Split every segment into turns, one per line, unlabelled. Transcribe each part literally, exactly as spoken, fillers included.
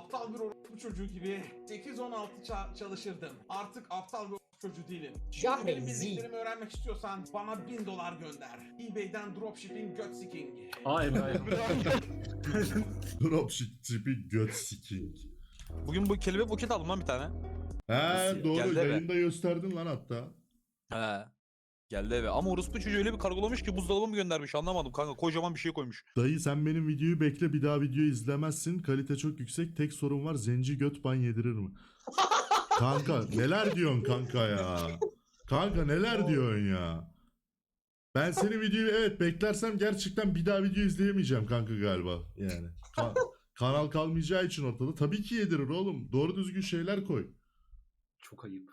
aptal bir orospu çocuğu gibi sekiz on altı ça- çalışırdım. Artık aptal bir orospu çocuğu değilim. Şimdi benim bildiklerimi öğrenmek istiyorsan bana bin dolar gönder. eBay'den dropshipping göt siking.
Aa Emre.
Dropshipping göt siking.
Bugün bu kelime buket aldım lan bir tane.
He
Nasıl
doğru
Geldi eve.
yayında gösterdin lan hatta.
He. Geldi eve. Ama orospu çocuğu öyle bir kargolamış ki buzdolabı mı göndermiş anlamadım kanka. Kocaman bir şey koymuş.
Dayı sen benim videoyu bekle, bir daha videoyu izlemezsin. Kalite çok yüksek. Tek sorun var, zenci göt ban yedirir mi? Kanka neler diyorsun kanka ya? Kanka neler diyorsun ya? Ben senin videoyu evet beklersem gerçekten bir daha video izleyemeyeceğim kanka galiba yani. Ka- kanal kalmayacağı için ortada. Tabii ki yedirir oğlum. Doğru düzgün şeyler koy.
Çok ayıp.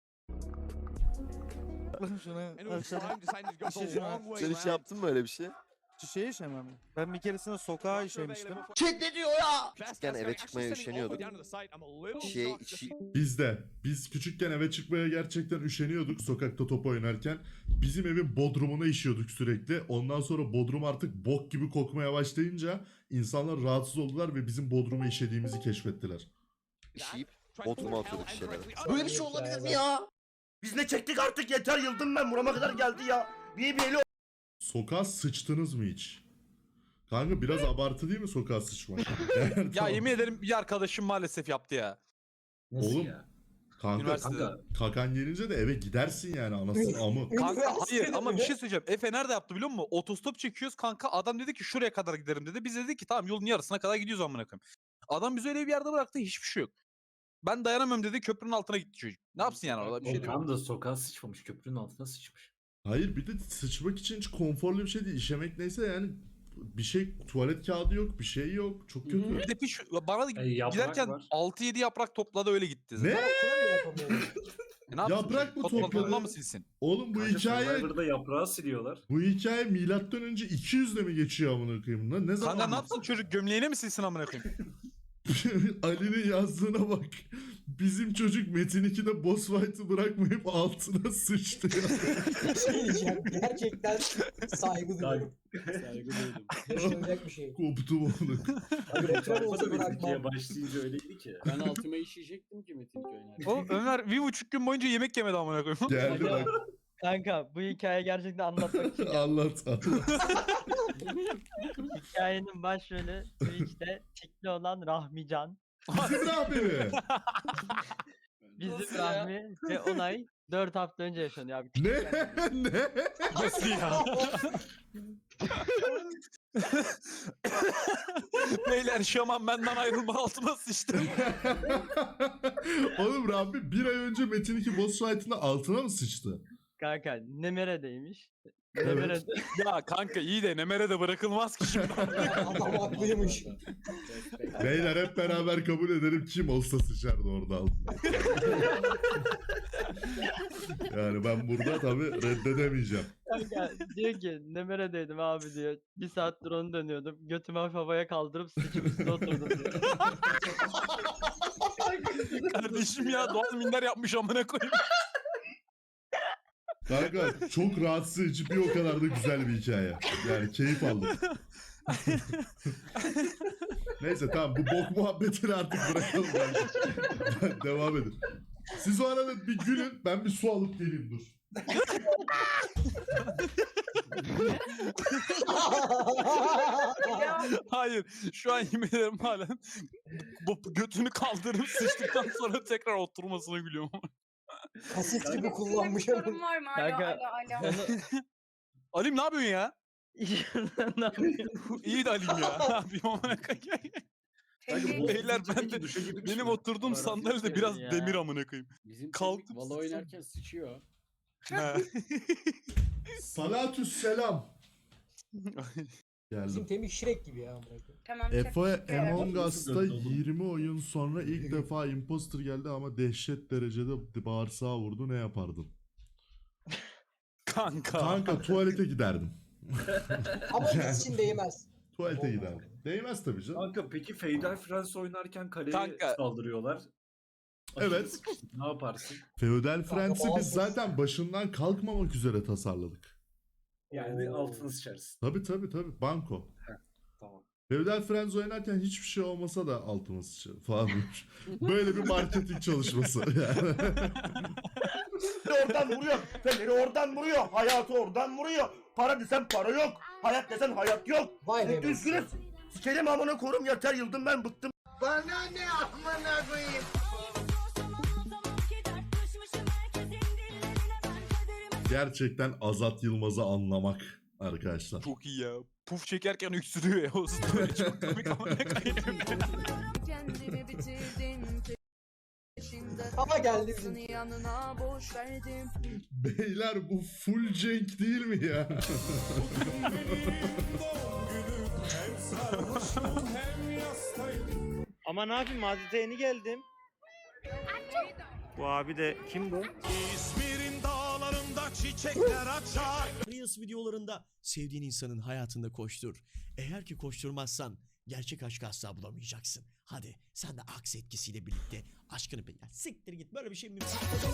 Sen hiç yaptın mı öyle bir şey?
Şey işemem. Ben bir keresinde sokağa işemiştim.
Küçükken eve çıkmaya üşeniyorduk. Şey, şi-
Bizde. Biz küçükken eve çıkmaya gerçekten üşeniyorduk sokakta top oynarken. Bizim evin bodrumuna işiyorduk sürekli. Ondan sonra bodrum artık bok gibi kokmaya başlayınca insanlar rahatsız oldular ve bizim bodruma işediğimizi keşfettiler.
işeyip Bodrum'a atıyorduk şeyleri.
Böyle bir şey olabilir mi ya? Biz ne çektik artık yeter, yıldım ben, burama kadar geldi ya. Bir bir eli
Sokağa sıçtınız mı hiç? Kanka biraz abartı değil mi sokağa sıçmak? Yani
Ya
tamam.
yemin ederim bir arkadaşım maalesef yaptı ya.
Nasıl
Oğlum,
ya?
Kanka,
Üniversitede.
Kanka
kakan gelince de eve gidersin yani anasını amı.
Kanka hayır ama bir şey söyleyeceğim. Efe nerede yaptı biliyor musun? Otostop çekiyoruz kanka. Adam dedi ki şuraya kadar giderim dedi. Biz dedik ki tamam yolun yarısına kadar gidiyoruz amına koyayım. Adam bizi öyle bir yerde bıraktı hiçbir şey yok. Ben dayanamıyorum dedi köprünün altına gitti çocuk. Ne yapsın yani orada bir şey
o
değil.
tam da sokağa sıçmamış. Köprünün altına sıçmış.
Hayır bir de sıçmak için hiç konforlu bir şey değil. İşemek neyse yani bir şey, tuvalet kağıdı yok, bir şey yok. Çok kötü.
Bir de piş, bana da
E, yaprak
giderken
var.
altı yedi yaprak topladı öyle gitti.
Ne?
E, ne yapsın
Yaprak
çocuk?
mı
Topla-
topladı?
topla mı silsin?
Oğlum bu
Kanka
hikaye
Survivor'da yaprağı siliyorlar.
bu hikaye milattan önce iki yüzde mi geçiyor amına koyayım lan? Ne zaman?
Kanka ne yapsın çocuk gömleğine mi silsin amına koyayım?
Ali'nin yazdığına bak. Bizim çocuk Metin ikide boss fight'ı bırakmayıp altına sıçtı ya.
Bir şey diyeceğim. Gerçekten saygı duyuyorum.
Saygı duydum.
Yaşanacak bir şey.
Koptum onu.
Reklam olsa
Sayfada
bırakmam.
Metin başlayınca öyleydi ki.
Ben altıma işeyecektim ki Metin iki oynarken.
Oğlum Ömer bir buçuk gün boyunca yemek yemedi amına koyayım.
Geldi bak.
Kanka bu hikaye gerçekten anlatmak için.
Anlat anlat.
Hikayenin başrolü Twitch'te tikli olan Rahmican.
Bizim Rahmi mi?
Bizim Rahmi ve Onay dört hafta önce yaşanıyor abi.
Ne? Ne?
Nasıl ya? Beyler şaman benden ayrılma altıma sıçtı.
Oğlum Rahmi bir ay önce Metin iki boss fight'ında altına mı sıçtı?
Kanka Nemere'deymiş.
Evet.
Nemere'de
Ya kanka iyi de Nemer'e de bırakılmaz ki şimdi.
Adam haklıymış.
Beyler hep beraber kabul edelim kim olsa sıçardı orada altına. Yani ben burada tabii reddedemeyeceğim.
kanka diyor ki Nemere'deydim abi diyor. Bir saattir onu dönüyordum. Götümü hafif havaya kaldırıp sıçıp üstüne oturdum diyor.
Kardeşim ya doğal minder yapmış amına koyayım.
Kanka çok rahatsız edici bir o kadar da güzel bir hikaye. Yani keyif aldım. Neyse tamam bu bok muhabbetini artık bırakalım bence. Devam edin. Siz o arada bir gülün ben bir su alıp geleyim dur.
Hayır şu an yemin ederim halen bu götünü kaldırıp sıçtıktan sonra tekrar oturmasına gülüyorum.
Kaset gibi kullanmış
Sorun
ama.
var mı?
Kanka,
Alo alo alo.
Alim ne yapıyorsun ya?
ne yapayım?
İyi de Alim ya. Ne yapayım amına koyayım?
Tebrik-
bu-
Beyler ben
Peki
de
duşa girmiş
benim
mi?
oturduğum
Arası
sandalyede
yok
biraz
ya.
demir amına koyayım.
Bizim
Kalkıp
Kalkıp valla
sıçsın.
oynarken sıçıyor.
Ha.
Salatü selam.
Bizim
Geldim.
Temik Şirek gibi ya.
Tamam.
Efe
çok-
Among
Evet.
Us'ta yirmi oyun sonra ilk defa imposter geldi ama dehşet derecede bağırsağı vurdu, ne yapardın?
Kanka.
Kanka tuvalete giderdim.
Ama biz için değmez.
Tuvalete
Olmaz.
giderdim. Değmez tabii canım.
Kanka peki Feudal France oynarken kaleye
Kanka.
saldırıyorlar.
Evet.
Ne yaparsın?
Feodal Friends'i biz
bazı-
zaten başından kalkmamak üzere tasarladık.
Yani
Oo.
altını sıçarsın.
Tabii tabii tabii. Banko.
Tamam.
Feudal Friends oynarken hiçbir şey olmasa da altıma sıçarım falan demiş. Böyle bir marketing çalışması. Yani.
oradan vuruyor. Feneri oradan vuruyor. Hayatı oradan vuruyor. Para desen para yok. Hayat desen hayat yok.
Vay be.
E, üzgünüz. Sikerim amına korum yeter yıldım ben bıktım.
Gerçekten Azat Yılmaz'ı anlamak arkadaşlar.
Çok iyi ya. Puf çekerken öksürüyor ya. O story çok komik ama ne kayıyor.
Ama geldi bizim.
Beyler bu full Cenk değil mi ya?
Ama ne yapayım Mazide yeni geldim. Bu abi de kim bu?
İzmir'in dağlarında çiçekler açar.
Reels videolarında sevdiğin insanın hayatında koştur. Eğer ki koşturmazsan gerçek aşkı asla bulamayacaksın. Hadi sen de aks etkisiyle birlikte aşkını bil. Ya siktir git, böyle bir şey mümkün.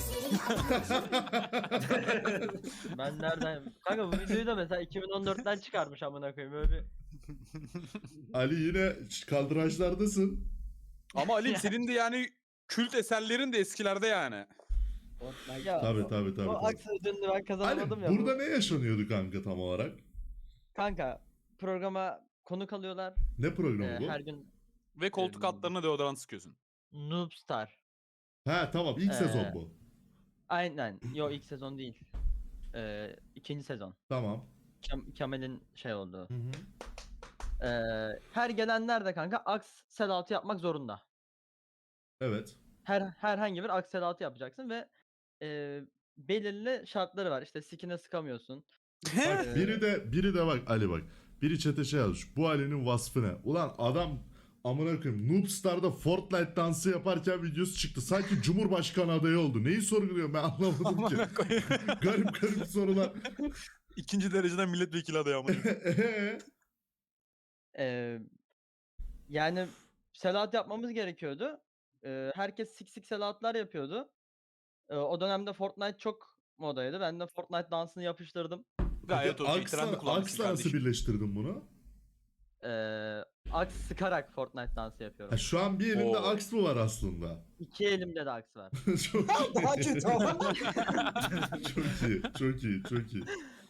Ben nereden? Kanka bu videoyu da mesela iki bin on dörtten çıkarmış amına koyayım böyle bir.
Ali yine kaldıraçlardasın.
Ama Ali senin de yani kült eserlerin de eskilerde yani.
Ya,
Tabii tabii tabii.
o
tabii.
aks ödülünü ben kazanamadım
Ali
ya.
burada
bu-
ne yaşanıyordu kanka tam olarak?
Kanka programa konuk alıyorlar.
Ne programı
Ee,
bu?
her gün
Ve koltuk altlarına deodorant sıkıyorsun.
Noobstar.
Ha tamam ilk
Ee,
sezon bu.
Aynen. Yo ilk sezon değil. Ee, ikinci sezon.
Tamam.
Kem- Kemal'in şey olduğu.
Hı hı.
Ee, her gelenler de kanka aks sedatı yapmak zorunda.
Evet.
Her herhangi bir aks sedatı yapacaksın ve e, belirli şartları var. İşte sikine sıkamıyorsun.
Bak
Ee,
biri de biri de bak Ali bak. Biri chat'e şey yazmış. Bu Ali'nin vasfı ne? Ulan adam amına koyayım Noobstar'da Fortnite dansı yaparken videosu çıktı. Sanki Cumhurbaşkanı adayı oldu. Neyi sorguluyor ben anlamadım ki.
Amına koyayım.
garip garip sorular.
İkinci dereceden milletvekili adayı ama.
Eee?
Ee, yani selat yapmamız gerekiyordu. Ee, herkes sik sik selatlar yapıyordu. Ee, o dönemde Fortnite çok modaydı. Ben de Fortnite dansını yapıştırdım.
Gayet okey.
Aksla,
Trendi kullanmışsın
Aksla nasıl
kardeşim.
birleştirdin bunu?
Ee, aks sıkarak Fortnite dansı yapıyorum.
Ha, şu an bir elimde
Oo.
aks mı var aslında?
İki elimde de aks var.
çok,
Daha kötü ama.
çok iyi, çok iyi, çok iyi.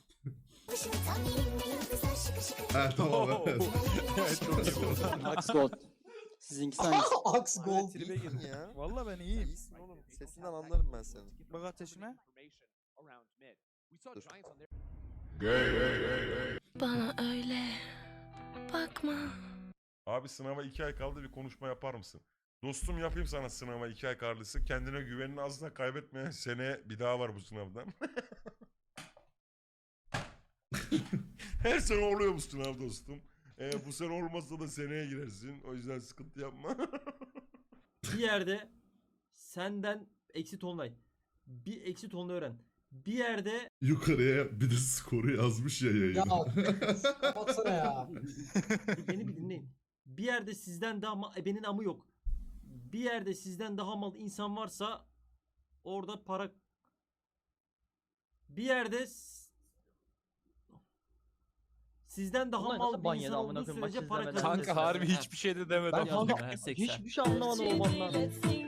Ha tamam evet.
Evet, çok iyi bu.
Aks Gold. Sizinkisi hangisi?
Aks Gold.
Tribe girdin ya.
Valla ben iyiyim.
İyisin oğlum. Sesinden anlarım ben seni.
Bak ateşime.
Bana öyle bakma.
Abi sınava iki ay kaldı, bir konuşma yapar mısın? Dostum yapayım sana sınava iki ay karlısı. Kendine güvenini asla kaybetmeyen, seneye bir daha var bu sınavdan. Her sene oluyor bu sınav dostum. Ee, bu sene olmazsa da seneye girersin. O yüzden sıkıntı yapma.
Bir yerde senden eksi tonlay. Bir eksi tonla öğren. Bir yerde
Yukarıya bir de skoru yazmış ya yayına.
Ya kapatsana ya.
beni bir dinleyin. Bir yerde sizden daha ma- ebenin amı yok. Bir yerde sizden daha mal insan varsa orada para bir yerde s- sizden daha
Ulan
mal
nasıl
bir
ban
insan
yedi amına
olduğu
koyayım,
sürece
maç
para
izlemeden?
kazanırsın.
Kanka harbi hiçbir şey de demedim.
Ben kanka hiçbir şey anlamadım o bandan.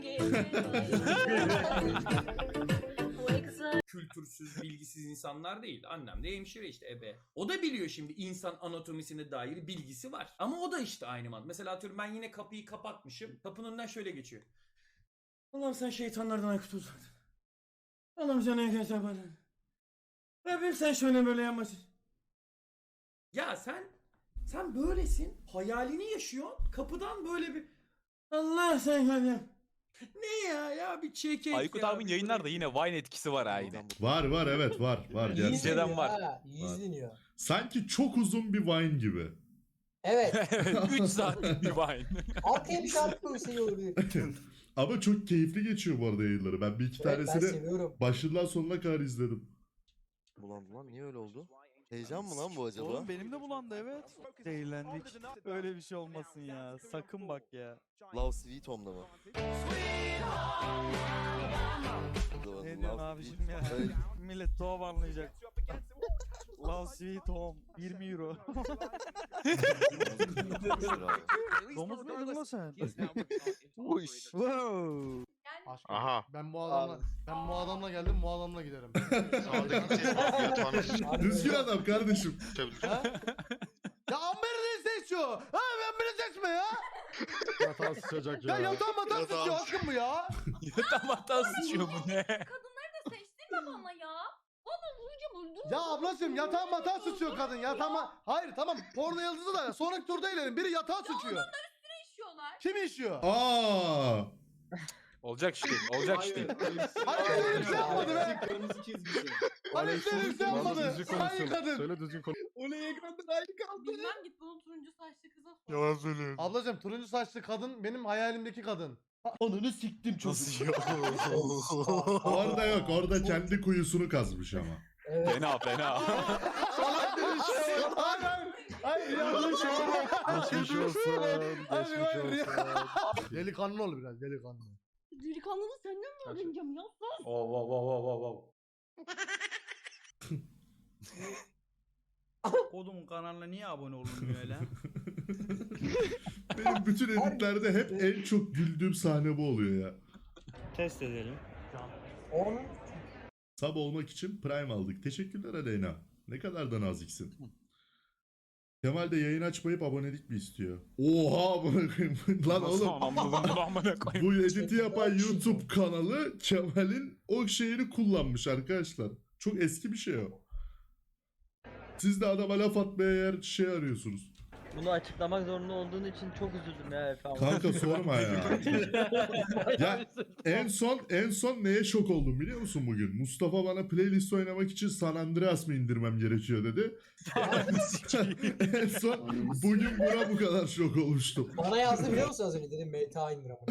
Kültürsüz, bilgisiz insanlar değil. Annem de hemşire işte ebe. O da biliyor şimdi insan anatomisine dair bilgisi var. Ama o da işte aynı mantık. Mesela atıyorum ben yine kapıyı kapatmışım. Kapının önünden şöyle geçiyor. Allah'ım sen şeytanlardan aykut ol. Allah'ım sen ne geçer bana. Rabbim sen şöyle böyle yapmasın. Ya sen sen böylesin. Hayalini yaşıyorsun. Kapıdan böyle bir Allah sen ya. Ne ya ya bir çekek
Aykut
ya.
abinin yayınlarda yine Vine etkisi var ha yine.
Var var evet var var
İyi
gerçekten.
İzleden
izleniyor
var.
ha, iyi izleniyor.
Sanki çok uzun bir Vine gibi.
Evet.
üç saatlik bir Vine.
Arkaya bir şarkı koysa iyi olur.
Ama çok keyifli geçiyor bu arada yayınları. Ben bir iki
Evet, ben
tanesini
seviyorum.
başından sonuna kadar izledim.
Bulandı lan, niye öyle oldu? Heyecan mı lan bu acaba?
Oğlum benim de bulandı evet. Zehirlendik. Öyle bir şey olmasın ya. Sakın bak ya.
Love Sweet Home'da mı?
Ne diyorsun abiciğim ya?
Öyle-
Millet doğum anlayacak. Love Sweet Home yirmi euro. Domuz muydun lan sen? Wow.
Aha.
Ben bu adamla ben bu adamla geldim, bu adamla giderim.
Düzgün adam kardeşim.
Ha? Ya Amber'i ne seçiyor? Ha ben beni seçme ya.
Yatağı sıçacak
Ya yatağım matan sıçıyor aşkım bu ya.
Tam hata sıçıyor bu ne?
Kadınları da seçtirme bana ya. Bana vuracağım öldürürüm.
Ya ablacığım yatağım matan sıçıyor kadın. Yatağıma... Hayır tamam porno yıldızı da sonraki turda ilerim. Biri yatağa sıçıyor.
İşiyorlar.
Kim işiyor?
Aa!
Olacak iş değil. Olacak iş değil.
Hani öyle bir şey yapmadı be.
Kırmızı çizgisi.
Hani öyle bir şey yapmadı. Hayır kadın.
Söyle düzgün konuş.
Oley ekrandan aynı kaldı.
Bilmem git bunun turuncu saçlı kıza sor.
Yalan söylüyorsun.
Ablacığım turuncu saçlı kadın benim hayalimdeki kadın. Onunu siktim çocuk.
Orada yok. Orada kendi kuyusunu kazmış ama.
Fena fena.
Hayır hayır. Hayır yanlış şey var.
Geçmiş olsun.
Hayır hayır. Delikanlı ol biraz delikanlı.
Delikanlını senden mi öğreneceğim ya? Sus.
Oh, wow, wow, wow, wow, wow.
Kodumun kanalına niye abone olunmuyor öyle?
Benim bütün editlerde hep en çok güldüğüm sahne bu oluyor ya.
Test edelim.
On.
Sub olmak için Prime aldık. Teşekkürler Aleyna. Ne kadar da naziksin. Kemal de yayın açmayıp abonelik mi istiyor? Oha amına koyayım. Lan oğlum. Bu editi yapan YouTube kanalı Kemal'in o şeyini kullanmış arkadaşlar. Çok eski bir şey o. Siz de adama laf atmaya yer şey arıyorsunuz.
Bunu açıklamak zorunda olduğun için çok üzüldüm ya Efe ama.
Kanka sorma ya. Ya en son en son neye şok oldum biliyor musun bugün? Mustafa bana playlist oynamak için San Andreas mı indirmem gerekiyor dedi. En son bugün buna bu kadar şok olmuştum.
Bana yazdı biliyor musun az önce dedim M T A indir ama.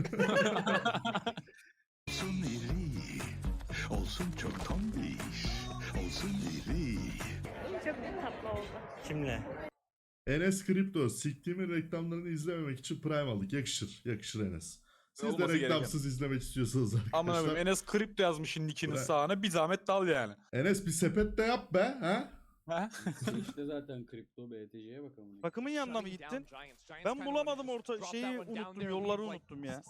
Olsun iri. Olsun çok tombiş. Olsun iri.
Çok tatlı oldu.
Kimle?
Enes Kripto, siktiğimin reklamlarını izlememek için Prime aldık. Yakışır, yakışır Enes. Siz de
Olması
reklamsız izlemek istiyorsanız
Aman abim
arkadaşlar.
Enes kripto yazmışın nickinin
Bırak.
sağına bir zahmet dal yani.
Enes bir sepet de yap be, ha?
Ha?
İşte zaten kripto B T C'ye bakalım. Takımın yanına mı gittin? Ben bulamadım orta şeyi unuttum, yolları unuttum ya.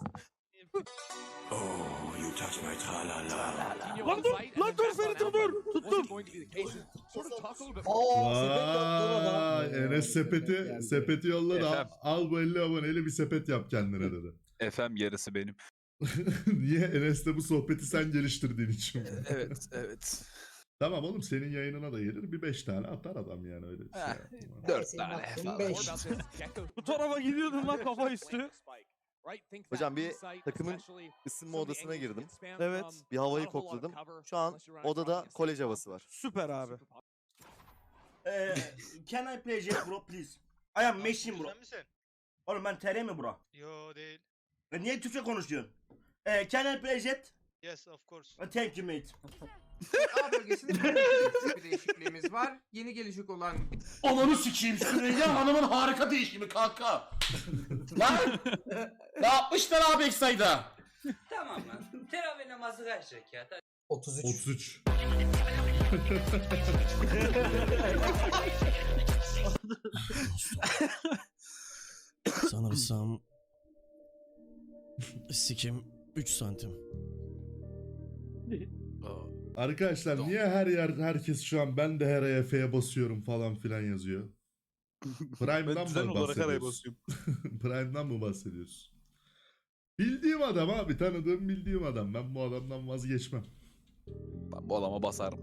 Oh, you touch my tra-la-la.
Lan dur, lan dur Ferit'im dur. Tuttum.
Vay, Enes sepeti, sepeti yolladı. Al,
Efendim?
al bu elli aboneli bir sepet yap kendine dedi.
Efem yarısı benim.
Niye? Enes'le bu sohbeti sen geliştirdiğin için.
Evet evet.
Tamam oğlum senin yayınına da gelir bir beş tane atar adam yani öyle bir şey.
Heh,
yapma.
Dört tane falan.
Bu tarafa gidiyordum lan kafa üstü.
Hocam bir takımın ısınma odasına girdim.
Evet.
Bir havayı kokladım. Şu an odada kolej havası var.
Süper abi.
Eee, can I play Jet bro please? I am machine bro. Oğlum ben T R mi bro?
Yo değil.
E, niye Türkçe konuşuyorsun? Eee, can I play Jet?
Yes of course.
E, Thank you mate.
A bölgesinde bir değişikliğimiz var. Yeni gelecek olan
Ananı sikeyim Süreyya Hanım'ın harika değişimi kanka. Lan! Ne yapmışlar abi Eksay'da?
Tamam lan. Teravih namazı kaç rekat?
otuz üç.
otuz üç.
Sanırsam sikim üç santim.
Arkadaşlar niye her yer herkes şu an ben de her ay Efe'ye basıyorum falan filan yazıyor? Prime'dan
Ben düzen
mı
olarak araya
bahsediyorsun?
basıyorum.
Prime'dan mı bahsediyorsun? Bildiğim adam abi tanıdığım bildiğim adam. Ben bu adamdan vazgeçmem.
Ben bu adama basarım.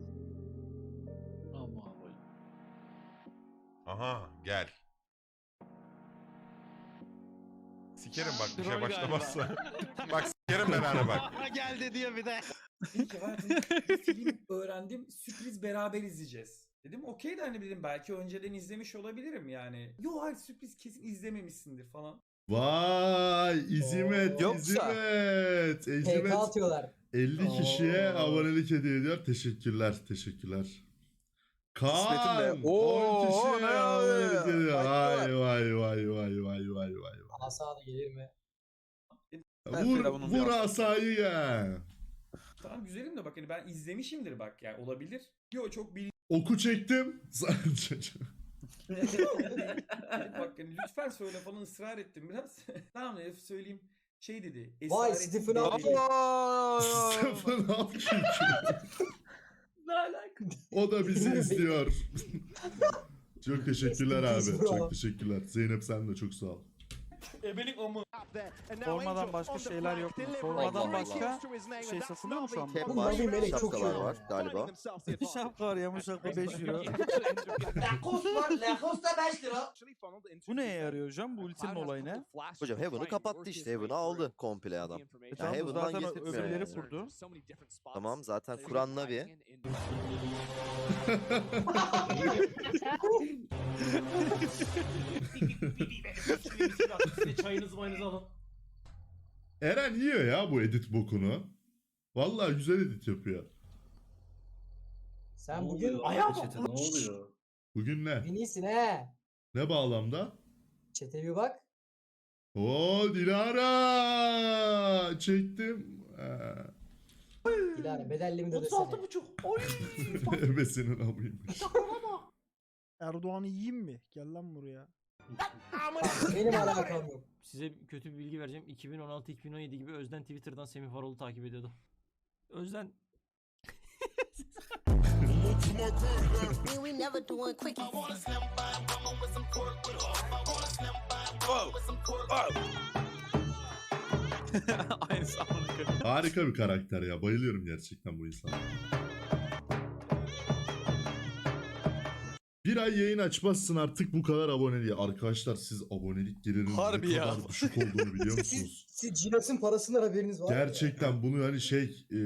Aha gel. Sikerim bak bir şey başlamazsa. Bak sikerim ben hani bak.
Geldi diyor bir de.
Dedim ki hayatımda bir film öğrendim. Sürpriz beraber izleyeceğiz. Dedim okey de hani dedim belki önceden izlemiş olabilirim yani. Yo hayır sürpriz kesin izlememişsindir falan.
Vay İzimet
Yoksa-
İzimet.
P
İzimet
K atıyorlar.
elli kişiye
Oo.
abonelik hediye ediyor. Teşekkürler teşekkürler.
İsmet'im
Kaan
de.
on
Oo,
kişiye
ne
abonelik
oluyor?
ediyor. Vay
Başka
vay vay vay vay vay vay.
Asa da gelir mi?
Ben
Vur,
Firavun'un
vur
bir
asayı ya.
Tamam güzelim de bak hani ben izlemişimdir bak yani olabilir. Yo çok bil
Oku çektim.
Bak yani lütfen söyle falan ısrar ettim biraz. Tamam Elif söyleyeyim. Şey dedi.
Vay,
esaretin
Stephen
bedeli-
Hawking.
Sıfır Hawking.
Ne alaka?
O da bizi izliyor. Çok teşekkürler abi.
Peace, bro.
Çok teşekkürler. Zeynep sen de çok sağ ol.
Ebelik o mu?
Formadan başka şeyler yok mu? Formadan başka şey satılıyor mu şu anda?
Kem
Oğlum,
var,
Navi Melek çok iyi
şapkalar
ya.
var galiba.
Şapka var ya bu şapka beş euro.
Lacoste var. Lacoste beş lira.
Bu neye yarıyor hocam? Bu ultinin olayı ne?
Hocam Heaven'ı kapattı işte. Heaven'ı aldı komple adam.
E tamam, bu
Heaven'dan
zaten
getirtmiyor
öbürleri
yani.
kurdu.
Tamam zaten kuran Navi.
Çayınızı mayınızı alın.
Eren yiyor ya bu edit bokunu. Vallahi güzel edit yapıyor.
Sen bugün
Ayağa Ne oluyor?
Bugün ne?
bugün iyisin he.
Ne bağlamda?
Çete bir bak.
Oo Dilara! Çektim. Ha.
Dilara bedelli mi de desene.
buçuk. Oy.
Ebesinin amıymış.
Erdoğan'ı yiyeyim mi? Gel lan buraya.
Benim alakam yok.
Size kötü bir bilgi vereceğim. iki bin on altı iki bin on yedi gibi Özden Twitter'dan Semih Varol'u takip ediyordu. Özden
Aynısı amına koyayım.
Harika bir karakter ya. Bayılıyorum gerçekten bu insana. Bir ay yayın açmazsın artık bu kadar abone diye. Arkadaşlar siz abonelik gelirinin
Harbi
ne
ya.
kadar düşük olduğunu biliyor musunuz?
Siz Cinas'ın parasından haberiniz var mı?
Gerçekten bunu hani şey e,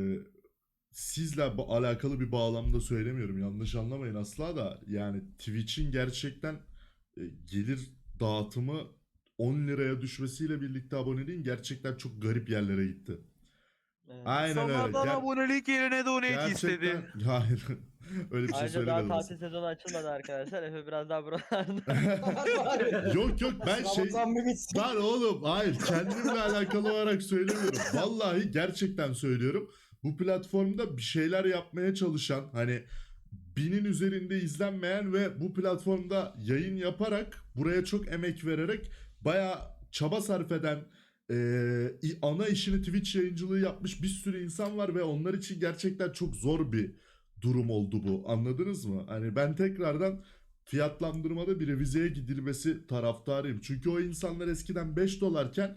sizle ba- alakalı bir bağlamda söylemiyorum. Yanlış anlamayın asla da. Yani Twitch'in gerçekten e, gelir dağıtımı on liraya düşmesiyle birlikte aboneliğin gerçekten çok garip yerlere gitti. Aynen öyle.
İnsanlardan
Ger-
abonelik yerine donate istedi.
gerçekten hayır. Öyle bir şey
Ayrıca daha
söylemedim.
tatil sezonu açılmadı arkadaşlar. Efe biraz daha buralarda.
Yok yok ben şey
Ramazan mı bitsin?
Lan oğlum hayır kendimle alakalı olarak söylemiyorum. Vallahi gerçekten söylüyorum. Bu platformda bir şeyler yapmaya çalışan hani binin üzerinde izlenmeyen ve bu platformda yayın yaparak buraya çok emek vererek bayağı çaba sarf eden eee, ana işini Twitch yayıncılığı yapmış bir sürü insan var ve onlar için gerçekten çok zor bir durum oldu bu. Anladınız mı? Hani ben tekrardan fiyatlandırmada bir revizeye gidilmesi taraftarıyım. Çünkü o insanlar eskiden beş dolarken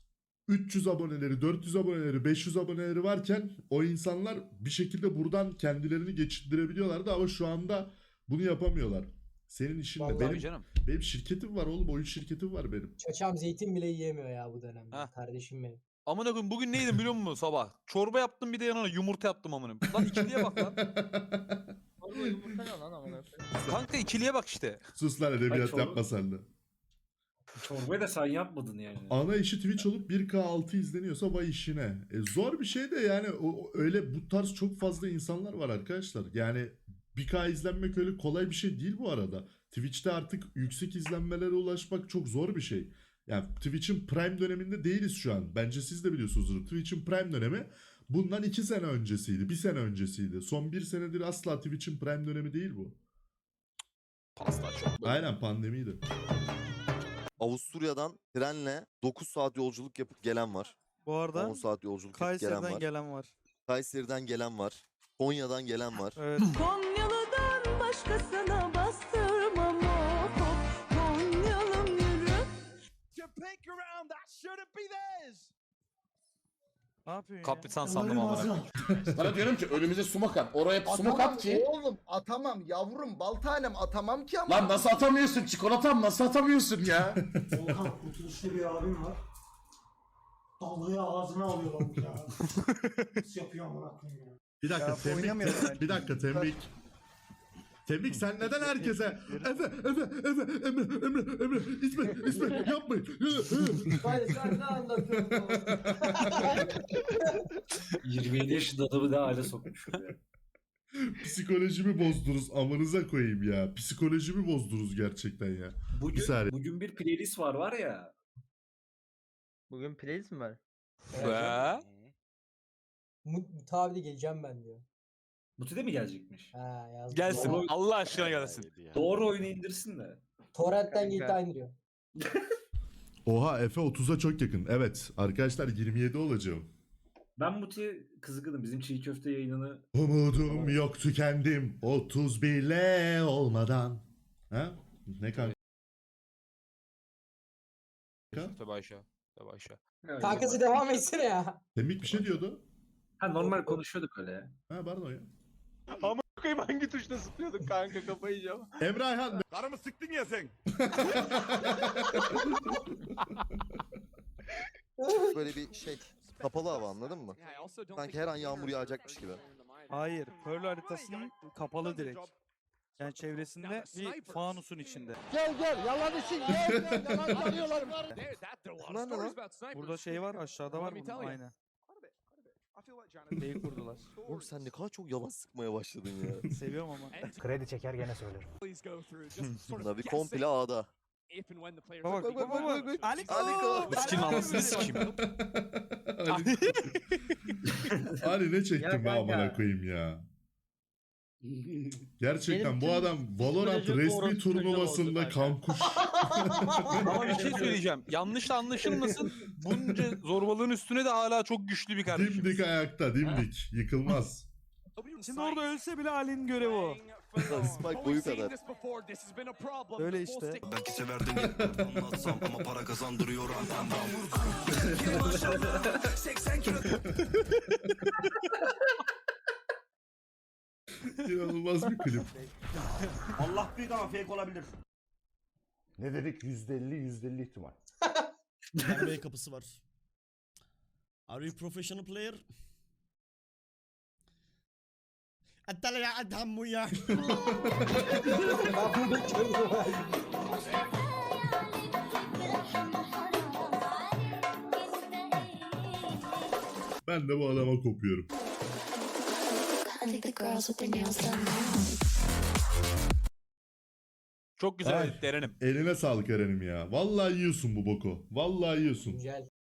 üç yüz aboneleri, dört yüz aboneleri, beş yüz aboneleri varken o insanlar bir şekilde buradan kendilerini geçindirebiliyorlardı ama şu anda bunu yapamıyorlar. Senin işin ne?
Vallahi
Benim,
canım.
benim şirketim var oğlum. Oyun şirketim var benim.
Çaçam zeytin bile yiyemiyor ya bu dönemde.
Ha.
Kardeşim benim.
Amına koyayım bugün neydim biliyor musun sabah? Çorba yaptım bir de yanına yumurta yaptım amına. Lan ikiliye bak lan.
Orada yumurta ne lan amına koyayım?
Kanka ikiliye bak işte.
Sus lan edebiyat
çorba-
yapma sen de.
Çorbayı da sen yapmadın yani.
Ana işi Twitch olup bir K altı izleniyorsa vay işine. E, zor bir şey de yani o, o- öyle bu tarz çok fazla insanlar var arkadaşlar. Yani bir K izlenmek öyle kolay bir şey değil bu arada. Twitch'te artık yüksek izlenmelere ulaşmak çok zor bir şey. Yani Twitch'in prime döneminde değiliz şu an. Bence siz de biliyorsunuzdur. Twitch'in prime dönemi bundan iki sene öncesiydi. Bir sene öncesiydi. Son bir senedir asla Twitch'in prime dönemi değil bu.
Pasta çok böyle.
Aynen pandemiydi.
Avusturya'dan trenle dokuz saat yolculuk yapıp gelen var.
Bu arada
on saat yolculuk yapıp gelen
Kayseri'den
var.
gelen var.
Kayseri'den gelen var. Konya'dan gelen var.
Evet.
Konyalı'dan başkasına bastırmam o. Konyalım yürü.
Ne yapıyorsun ya?
Kapitan sandım amına.
Sana diyorum ki önümüze sumak at. Oraya sumak
Atamam
at ki.
oğlum atamam yavrum bal tanem atamam ki ama.
Lan nasıl atamıyorsun çikolatam nasıl atamıyorsun ya?
Volkan kurtuluşlu bir abim var. Dalgayı ağzına alıyorlar ya. Nasıl yapıyor amına koyayım ya.
Bir dakika
Ya,
tembik.
oynamıyorum ben.
Bir dakika tembik. Tembik sen neden herkese Efe Efe Efe Emre Emre Emre İsmet İsmet yapmayın.
Hayır sen ne anlatıyorsun?
yirmi yedi yaşında adamı ne hale sokmuş ya.
Psikolojimi bozdunuz amınıza koyayım ya. Psikolojimi bozdunuz gerçekten ya. Bir
Bugün,
saniye.
bugün bir playlist var var ya.
Bugün playlist mi var?
Ve
Mu- Tabii geleceğim ben diyor.
Muti de mi gelecekmiş?
Ha yazdım.
Gelsin.
Doğru.
Allah aşkına gelsin.
Doğru oyunu indirsin de.
Torrent'ten G T A indiriyor.
Oha Efe otuza çok yakın. Evet arkadaşlar yirmi yedi olacağım.
Ben Muti'ye kızgınım. Bizim çiğ köfte yayınını...
Umudum yok tükendim otuz bile olmadan. Ha? Ne kanka?
Tabii aşağı. Tabii aşağı.
Kankası devam etsene ya.
Semih bir şey diyordu.
Ha normal konuşuyorduk öyle ya.
Ha pardon ya.
Ama koyayım hangi tuşla zıplıyordun kanka kafayı yiyeceğim.
Emre Ayhan.
Karımı sıktın ya sen.
Böyle bir şey. Kapalı hava anladın mı? Sanki her an yağmur yağacakmış gibi.
Hayır. Pearl haritasının kapalı direkt. Yani çevresinde bir fanusun içinde.
Gel gel yalan için gel gel yalan arıyorlar.
Bunlar ne lan?
Burada şey var aşağıda var bunun aynı. Şeyi kurdular.
Oğlum sen ne kadar çok yalan sıkmaya başladın ya.
Seviyorum ama.
Kredi çeker gene söylerim.
Navi komple A'da.
Bak bak bak bak. bak. Aliko.
Aliko.
Kim anasını sikeyim.
Ali, Ali ne çektim
Ya
be amına
kanka.
koyayım ya. Gerçekten
Benim
bu
tüm
adam Valorant
psikolojik
resmi
orospu çocuğu
turnuvasında
oldu kanka.
kankuş.
Ama bir şey söyleyeceğim. Yanlış da anlaşılmasın. Bunca zorbalığın üstüne de hala çok güçlü bir kardeşim.
Dimdik ayakta dimdik. Yıkılmaz.
Şimdi orada ölse bile Ali'nin görevi o.
Spike boyu kadar.
Öyle işte.
Belki severdim anlatsam ama para kazandırıyor
İnanılmaz bir klip.
Allah büyük ama fake olabilir. Ne dedik? yüzde elli yüzde elli ihtimal.
N B A kapısı var. Are you professional player? Atala ya adam bu ya.
Ben de bu adama kopuyorum.
Çok güzel
Ay.
edit Eren'im.
Eline sağlık Eren'im ya. Vallahi yiyorsun bu boku. Vallahi yiyorsun.
Güzel.